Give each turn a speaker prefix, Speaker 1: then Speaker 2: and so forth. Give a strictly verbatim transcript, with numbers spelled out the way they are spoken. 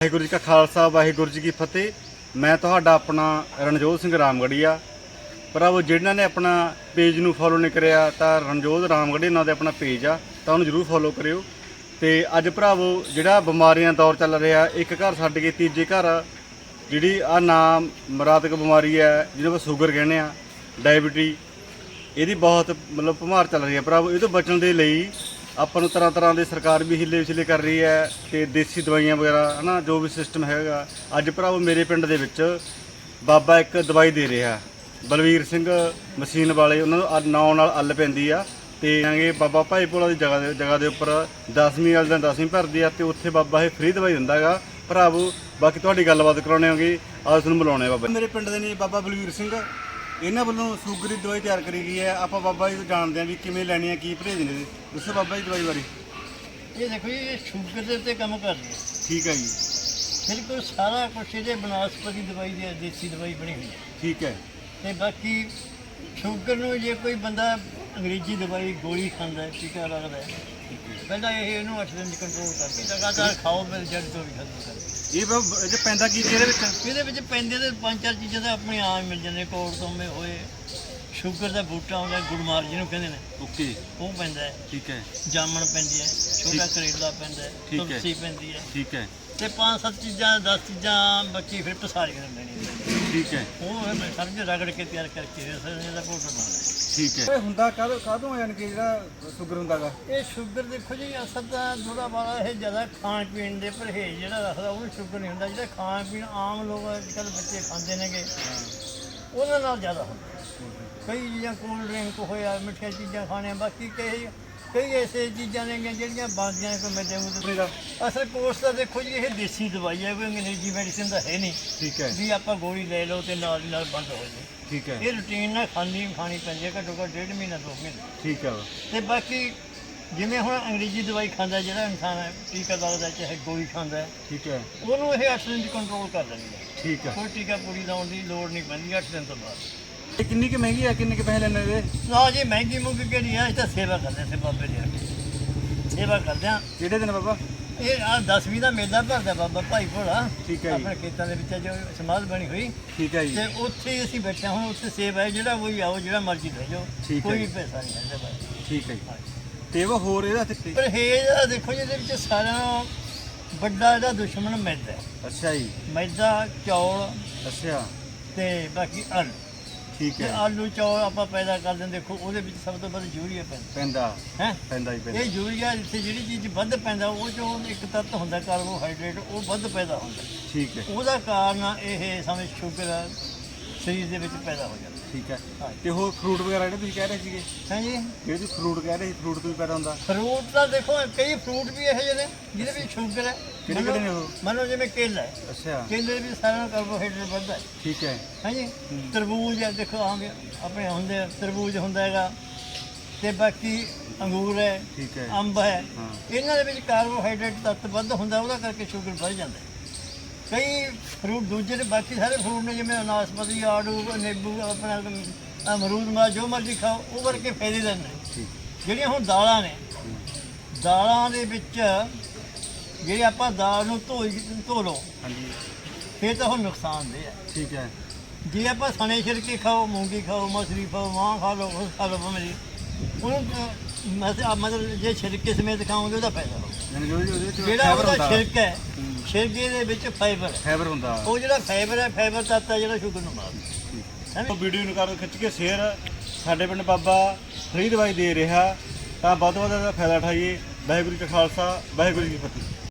Speaker 1: ਵਾਹਿਗੁਰੂ ਜੀ ਕਾ ਖਾਲਸਾ ਵਾਹਿਗੁਰੂ ਜੀ ਕੀ ਫਤਿਹ। ਮੈਂ ਤੁਹਾਡਾ ਆਪਣਾ ਰਣਜੋਤ ਸਿੰਘ ਰਾਮਗੜੀਆ। ਭਰਾਵੋ ਜਿਨ੍ਹਾਂ ਨੇ ਆਪਣਾ ਪੇਜ ਨੂੰ ਫੋਲੋ ਨਹੀਂ ਕਰਿਆ ਤਾਂ ਰਣਜੋਤ ਰਾਮਗੜੀਆ ਨਾਂ ਦੇ ਆਪਣਾ ਪੇਜ ਆ, ਤਾਂ ਉਹਨੂੰ ਜ਼ਰੂਰ ਫੋਲੋ ਕਰਿਓ। ਤੇ ਅੱਜ ਭਰਾਵੋ ਜਿਹੜਾ ਬਿਮਾਰੀਆਂ ਦੌਰ ਚੱਲ ਰਿਹਾ, ਇੱਕ ਘਰ ਛੱਡ ਕੇ ਤੀਜੇ ਘਰ ਜਿਹੜੀ ਆ ਨਾਮ ਮਰਾਤਕ ਬਿਮਾਰੀ ਹੈ ਜਿਹਨੂੰ ਆਪਾਂ ਸ਼ੂਗਰ ਕਹਿੰਦੇ ਆ, ਡਾਇਬਟੀ, ਇਹਦੀ ਬਹੁਤ ਮਤਲਬ ਭਮਾਰ ਚੱਲ ਰਹੀ ਹੈ ਭਰਾਵੋ। ਇਹ ਤੋਂ ਬਚਣ ਦੇ ਲਈ ਆਪਾਂ ਨੂੰ ਤਰ੍ਹਾਂ ਤਰ੍ਹਾਂ ਦੇ ਸਰਕਾਰ ਵੀ ਹਿੱਲੇ ਵਿਚਲੇ ਕਰ ਰਹੀ ਹੈ ਤੇ ਦੇਸੀ ਦਵਾਈਆਂ ਵਗੈਰਾ ਹੈ ਨਾ, ਜੋ ਵੀ ਸਿਸਟਮ ਹੈਗਾ। ਅੱਜ ਭਰਾਵੋ ਮੇਰੇ ਪਿੰਡ ਦੇ ਵਿੱਚ ਬਾਬਾ ਇੱਕ ਦਵਾਈ ਦੇ ਰਿਹਾ, ਬਲਵੀਰ ਸਿੰਘ ਮਸ਼ੀਨ ਵਾਲੇ, ਉਹਨਾਂ ਨੂੰ ਨਾਂ ਨਾਲ ਅੱਲ ਪੈਂਦੀ ਆ। ਤੇ ਆਂਗੇ ਬਾਬਾ ਭਾਈ ਭੋਲਾ ਦੀ ਜਗ੍ਹਾ ਦੇ ਜਗ੍ਹਾ ਦੇ ਉੱਪਰ ਦਸਵੀਂ ਵਾਲੇ ਦਿਨ ਦਸਵੀਂ ਭਰਦੀ ਆ ਤੇ ਉੱਥੇ ਬਾਬਾ ਇਹ ਫ੍ਰੀ ਦਵਾਈ ਦਿੰਦਾ ਗਾ ਭਰਾਵੋ। ਬਾਕੀ ਤੁਹਾਡੀ ਗੱਲਬਾਤ ਕਰਾਉਣੇ ਹੋਗੀ, ਆਹ ਤੁਹਾਨੂੰ ਬੁਲਾਉਣੇ ਬਾਬਾ। ਮੇਰੇ ਪਿੰਡ ਦੇ ਨੇ ਬਾਬਾ ਬਲਵੀਰ ਸਿੰਘ, ਇਹਨਾਂ ਵੱਲੋਂ ਸ਼ੂਗਰ ਦੀ ਦਵਾਈ ਤਿਆਰ ਕਰੀ ਗਈ ਹੈ। ਆਪਾਂ ਬਾਬਾ ਜੀ ਤੋਂ ਜਾਣਦੇ ਹਾਂ ਵੀ ਕਿਵੇਂ ਲੈਣੀ ਹੈ, ਕੀ ਪਰਹੇਜ਼ ਨੇ। ਦੱਸੋ ਬਾਬਾ ਜੀ ਦਵਾਈ ਬਾਰੇ।
Speaker 2: ਇਹ ਦੇਖੋ ਜੀ, ਇਹ ਸ਼ੂਗਰ ਦੇ ਉੱਤੇ ਕੰਮ ਕਰਦੀ ਹੈ।
Speaker 1: ਠੀਕ ਹੈ ਜੀ।
Speaker 2: ਬਿਲਕੁਲ ਸਾਰਾ ਕੁਛ ਇਹਦੇ ਬਨਸਪਤੀ ਦਵਾਈ ਦੀ ਦੇਸੀ ਦਵਾਈ ਬਣੀ ਹੋਈ ਹੈ।
Speaker 1: ਠੀਕ ਹੈ।
Speaker 2: ਤੇ ਬਾਕੀ ਸ਼ੂਗਰ ਨੂੰ ਜੇ ਕੋਈ ਬੰਦਾ ਅੰਗਰੇਜ਼ੀ ਦਵਾਈ ਗੋਲੀ ਖਾਂਦਾ ਹੈ, ਟੀਕਾ ਲੱਗਦਾ ਹੈ, ਪਹਿਲਾਂ ਇਹ ਇਹਨੂੰ ਅੱਠ ਦਿਨ ਦੀ ਕੰਟਰੋਲ ਕਰਕੇ ਲਗਾਤਾਰ ਖਾਓ, ਫਿਰ ਜੜ ਤੋਂ ਵੀ ਖਤਮ ਕਰ।
Speaker 1: ਇਹ ਬਾਬਾ ਇਹ ਪੈਂਦਾ ਕੀ ਇਹਦੇ ਵਿੱਚ?
Speaker 2: ਇਹਦੇ ਵਿੱਚ ਪੈਂਦੇ ਤੇ ਪੰਜ ਚਾਰ ਚੀਜ਼ਾਂ ਤਾਂ ਆਪਣੇ ਆਮ ਮਿਲ ਜਾਂਦੇ। ਕੋੜ ਤੋਮੇ ਹੋਏ, ਸ਼ੂਗਰ ਦਾ ਬੂਟਾ ਹੁੰਦਾ ਗੁੜਮਾਰ ਜਿਹਨੂੰ ਕਹਿੰਦੇ ਨੇ,
Speaker 1: ਓਕੇ,
Speaker 2: ਉਹ ਪੈਂਦਾ ਹੈ।
Speaker 1: ਠੀਕ ਹੈ।
Speaker 2: ਜਾਮਣ ਪੈਂਦੀ ਹੈ, ਛੋਟਾ ਕਰੇਲਾ ਪੈਂਦਾ ਹੈ, ਤੁਲਸੀ ਪੈਂਦੀ ਹੈ।
Speaker 1: ਠੀਕ ਹੈ।
Speaker 2: ਤੇ ਪੰਜ ਸੱਤ ਚੀਜ਼ਾਂ ਦਸ ਚੀਜ਼ਾਂ ਬੱਚੀ ਫਿਰ ਪਸਾਰੀ ਕਰ ਲੈਣੀ।
Speaker 1: ਠੀਕ ਹੈ।
Speaker 2: ਉਹ ਫਿਰ ਸਮਝ ਰਗੜ ਕੇ ਤਿਆਰ ਕਰਕੇ ਫਿਰ ਇਹਦਾ ਪਾਊਡਰ ਬਣਦਾ।
Speaker 1: ਠੀਕ ਹੈ। ਇਹ ਹੁੰਦਾ ਕਾਹਦੋਂ ਕਾਹਦੋਂ ਯਾਨੀ ਕਿ ਜਿਹੜਾ ਸ਼ੂਗਰ ਹੁੰਦਾਗਾ?
Speaker 2: ਇਹ ਸ਼ੂਗਰ ਦੇਖੋ ਜੀ, ਅਸਲ ਤਾਂ ਥੋੜਾ ਬਾਲਾ ਇਹ ਜ਼ਿਆਦਾ ਖਾਣ ਪੀਣ ਦੇ ਪਰਹੇਜ਼ ਜਿਹੜਾ ਰੱਖਦਾ ਉਹਨੂੰ ਸ਼ੂਗਰ ਨਹੀਂ ਹੁੰਦਾ। ਜਿਹੜਾ ਖਾਣ ਪੀਣ ਆਮ ਲੋਕ ਅੱਜ ਕੱਲ੍ਹ ਬੱਚੇ ਖਾਂਦੇ ਨੇਗੇ, ਉਹਨਾਂ ਨਾਲ ਜ਼ਿਆਦਾ ਹੁੰਦਾ। ਕਈ ਚੀਜ਼ਾਂ ਕੋਲਡ ਡਰਿੰਕ ਹੋਇਆ, ਮਿੱਠੀਆਂ ਚੀਜ਼ਾਂ ਖਾਣੀਆਂ, ਬਾਕੀ ਕਈ ਕਈ ਐਸੇ ਚੀਜ਼ਾਂ ਨੇਗੀਆਂ ਜਿਹੜੀਆਂ ਬਣਦੀਆਂ ਕੋਈ ਮੈਦੇ ਮੂਦੇ ਦਾ। ਅਸਲ ਕੋਰਸ ਤਾਂ ਦੇਖੋ ਜੀ, ਇਹ ਦੇਸੀ ਦਵਾਈ ਹੈ, ਕੋਈ ਅੰਗਰੇਜ਼ੀ ਮੈਡੀਸਿਨ ਤਾਂ ਹੈ ਨਹੀਂ।
Speaker 1: ਠੀਕ ਹੈ।
Speaker 2: ਵੀ ਆਪਾਂ ਗੋਲੀ ਲੈ ਲਓ ਤੇ ਨਾਲ ਦੀ ਨਾਲ ਬੰਦ ਹੋ ਜਾਏ।
Speaker 1: ਠੀਕ ਹੈ।
Speaker 2: ਇਹ ਰੂਟੀਨ ਨਾਲ ਖਾਣੀ ਖਾਣੀ ਪੈਂਦੀ ਹੈ, ਘੱਟੋ ਘੱਟ ਡੇਢ ਮਹੀਨਾ ਦੋ ਮਹੀਨੇ।
Speaker 1: ਠੀਕ ਹੈ।
Speaker 2: ਤੇ ਬਾਕੀ ਜਿਵੇਂ ਹੁਣ ਅੰਗਰੇਜ਼ੀ ਦਵਾਈ ਖਾਂਦਾ ਜਿਹੜਾ ਇਨਸਾਨ ਹੈ, ਟੀਕਾ ਲੱਗਦਾ ਚਾਹੇ ਗੋਲੀ ਖਾਂਦਾ,
Speaker 1: ਠੀਕ ਹੈ,
Speaker 2: ਉਹਨੂੰ ਇਹ ਅੱਠ ਦਿਨ ਦੀ ਕੰਟਰੋਲ ਕਰ ਦਿੰਦੀ ਹੈ।
Speaker 1: ਠੀਕ ਹੈ।
Speaker 2: ਕੋਈ ਟੀਕਾ ਪੂਰੀ ਲਾਉਣ ਦੀ ਲੋੜ ਨਹੀਂ ਪੈਂਦੀ ਅੱਠ ਦਿਨ ਤੋਂ ਬਾਅਦ।
Speaker 1: ਇਹ ਕਿੰਨੀ ਕਿ ਮਹਿੰਗੀ ਆ, ਕਿੰਨੇ ਕਿ ਪੈਸੇ ਲੈਣੇ ਇਹਦੇ?
Speaker 2: ਨਾ ਜੀ ਮਹਿੰਗੀ ਮੁੱਕ ਕਿਹੜੀ ਆ, ਇਹ ਤਾਂ ਸੇਵਾ ਕਰਦੇ ਸੇ ਬਾਬੇ ਦੀ ਸੇਵਾ ਕਰਦੇ ਆ।
Speaker 1: ਕਿਹੜੇ ਦਿਨ ਬਾਬਾ?
Speaker 2: ਇਹ ਆ ਦਸਵੀਂ ਦਾ ਮੇਲਾ ਭਰਦਾ ਬਾਬਾ ਭਾਈ ਭੋਲਾ,
Speaker 1: ਠੀਕ ਹੈ ਜੀ।
Speaker 2: ਆਪਣੇ ਖੇਤਾਂ ਦੇ ਵਿੱਚ ਜੋ ਸਮਾਧ ਬਣੀ ਹੋਈ।
Speaker 1: ਠੀਕ ਹੈ ਜੀ।
Speaker 2: ਤੇ ਉੱਥੇ ਹੀ ਅਸੀਂ ਬੈਠੇ ਹੁਣ, ਉੱਥੇ ਸੇਵ ਹੈ, ਜਿਹੜਾ ਕੋਈ ਆਓ ਜਿਹੜਾ ਮਰਜ਼ੀ ਲੈ ਜਾਓ,
Speaker 1: ਠੀਕ ਹੈ
Speaker 2: ਕੋਈ
Speaker 1: ਜੀ।
Speaker 2: ਪੈਸਾ ਨਹੀਂ ਹੈ ਬਾਈ।
Speaker 1: ਠੀਕ ਹੈ ਜੀ। ਤੇ ਉਹ ਹੋਰ ਇਹਦਾ ਤੇ
Speaker 2: ਪਰਹੇਜ਼ ਆ ਦੇਖੋ ਜੀ, ਇਹਦੇ ਵਿੱਚ ਸਾਰਿਆਂ ਨਾਲੋਂ ਵੱਡਾ ਇਹਦਾ ਦੁਸ਼ਮਣ ਮੈਦਾ ਹੈ।
Speaker 1: ਅੱਛਾ ਜੀ।
Speaker 2: ਮੈਦਾ, ਚੌਲ
Speaker 1: ਅੱਛਾ।
Speaker 2: ਤੇ ਬਾਕੀ ਆਲੂ।
Speaker 1: ਠੀਕ
Speaker 2: ਤੇ
Speaker 1: ਹੈ।
Speaker 2: ਆਲੂ ਚੌਲ ਆਪਾਂ ਪੈਦਾ ਕਰਦੇ ਹਾਂ, ਦੇਖੋ ਉਹਦੇ ਵਿੱਚ ਸਭ ਤੋਂ ਵੱਧ ਯੂਰੀਆ ਪੈਂਦਾ
Speaker 1: ਪੈਂਦਾ
Speaker 2: ਹੈ।
Speaker 1: ਪੈਂਦਾ ਹੀ ਪੈਂਦਾ।
Speaker 2: ਇਹ ਯੂਰੀਆ ਜਿੱਥੇ ਜਿਹੜੀ ਚੀਜ਼ ਵੱਧ ਪੈਂਦਾ ਉਹ ਚੋਂ ਇੱਕ ਤੱਤ ਹੁੰਦਾ ਕਾਰਬੋਹਾਈਡਰੇਟ, ਉਹ ਵੱਧ ਪੈਦਾ ਹੁੰਦਾ।
Speaker 1: ਠੀਕ ਹੈ।
Speaker 2: ਉਹਦਾ ਕਾਰਨ ਇਹ ਸਮਝ ਸ਼ੂਗਰ ਸਰੀਰ ਦੇ ਵਿੱਚ ਪੈਦਾ ਹੋ ਜਾਂਦਾ।
Speaker 1: ਠੀਕ ਹੈ।
Speaker 2: ਹਾਂ।
Speaker 1: ਤੇ ਹੋਰ ਫਰੂਟ ਵਗੈਰਾ ਜਿਹੜੇ ਤੁਸੀਂ ਕਹਿ ਰਹੇ ਸੀਗੇ,
Speaker 2: ਹਾਂਜੀ,
Speaker 1: ਜਿਹੜੇ ਤੁਸੀਂ ਫਰੂਟ ਕਹਿ ਰਹੇ ਸੀ, ਫਰੂਟ ਤੋਂ ਵੀ ਪੈਦਾ ਹੁੰਦਾ?
Speaker 2: ਫਰੂਟ ਤਾਂ ਦੇਖੋ ਕਈ ਫਰੂਟ ਵੀ ਇਹੋ ਜਿਹੇ ਨੇ ਜਿਹਦੇ ਵਿੱਚ ਸ਼ੂਗਰ ਹੈ।
Speaker 1: ਕਿਹੜੇ ਕਿਹੜੇ ਨੇ ਉਹ?
Speaker 2: ਮੰਨ ਲਓ ਜਿਵੇਂ ਕੇਲਾ ਹੈ,
Speaker 1: ਅੱਛਾ।
Speaker 2: ਕੇਲੇ ਵੀ ਸਾਰਾ ਕਾਰਬੋਹਾਈਡਰੇਟ ਵੱਧਦਾ ਹੈ।
Speaker 1: ਠੀਕ ਹੈ।
Speaker 2: ਹਾਂਜੀ। ਤਰਬੂਜ ਹੈ, ਦੇਖੋ ਆਮ ਆਪਣੇ ਹੁੰਦੇ ਆ, ਤਰਬੂਜ ਹੁੰਦਾ ਹੈਗਾ। ਤੇ ਬਾਕੀ ਅੰਗੂਰ ਹੈ,
Speaker 1: ਠੀਕ ਹੈ।
Speaker 2: ਅੰਬ ਹੈ,
Speaker 1: ਹਾਂ।
Speaker 2: ਇਹਨਾਂ ਦੇ ਵਿੱਚ ਕਾਰਬੋਹਾਈਡਰੇਟ ਤੱਤ ਵੱਧ ਹੁੰਦਾ, ਉਹਦਾ ਕਰਕੇ ਸ਼ੂਗਰ ਵੱਧ ਜਾਂਦਾ ਹੈ। ਕਈ ਫਰੂਟ ਦੂਜੇ ਨੇ, ਬਾਕੀ ਸਾਰੇ ਫਰੂਟ ਨੇ ਜਿਵੇਂ ਨਾਸਪਤੀ, ਆੜੂ, ਨਿੰਬੂ, ਆਪਣਾ ਅਮਰੂਦ, ਮਾ ਜੋ ਮਰਜ਼ੀ ਖਾਓ, ਉਹ ਕਰਕੇ ਫਾਇਦੇਮੰਦ ਨੇ। ਜਿਹੜੀਆਂ ਹੁਣ ਦਾਲਾਂ ਨੇ, ਦਾਲਾਂ ਦੇ ਵਿੱਚ ਜਿਹੜੀ ਆਪਾਂ ਦਾਲ ਨੂੰ ਧੋ ਧੋ ਲਓ, ਹਾਂਜੀ, ਫਿਰ ਤਾਂ ਉਹ ਨੁਕਸਾਨਦੇਹ ਹੈ।
Speaker 1: ਠੀਕ ਹੈ।
Speaker 2: ਜੇ ਆਪਾਂ ਸਣੇ ਛਿਲਕੇ ਖਾਓ, ਮੂੰਗੀ ਖਾਓ, ਮਸਰੀ ਖਾਓ, ਮਾਂਹ ਖਾ ਲਓ, ਉਸ ਖਾ ਲਓ ਭਾਵੇਂ, ਉਹਨੂੰ ਮਤਲਬ ਜੇ ਛਿਲਕੇ ਸਮੇਤ ਖਾਓਗੇ ਉਹਦਾ ਫਾਇਦਾ ਹੋਊਗਾ। ਜਿਹੜਾ ਉਹਦਾ ਛਿਲਕਾ ਹੈ, ਛਿਲਕੇ ਦੇ ਵਿੱਚ ਫਾਈਬਰ
Speaker 1: ਫਾਈਬਰ ਹੁੰਦਾ।
Speaker 2: ਉਹ ਜਿਹੜਾ ਫਾਈਬਰ ਹੈ, ਫਾਈਬਰ ਤੱਤ ਹੈ ਜਿਹੜਾ ਸ਼ੂਗਰ ਨੂੰ ਮਾਰਦਾ।
Speaker 1: ਵੀਡੀਓ ਨੂੰ ਕਰ ਖਿੱਚ ਕੇ ਸ਼ੇਅਰ। ਸਾਡੇ ਪਿੰਡ ਬਾਬਾ ਫ੍ਰੀ ਦਵਾਈ ਦੇ ਰਿਹਾ, ਤਾਂ ਵੱਧ ਤੋਂ ਵੱਧ ਇਹਦਾ ਫਾਇਦਾ ਉਠਾਈਏ। ਵਾਹਿਗੁਰੂ ਜੀ ਕਾ ਖਾਲਸਾ, ਵਾਹਿਗੁਰੂ ਜੀ ਕੀ ਫਤਿਹ।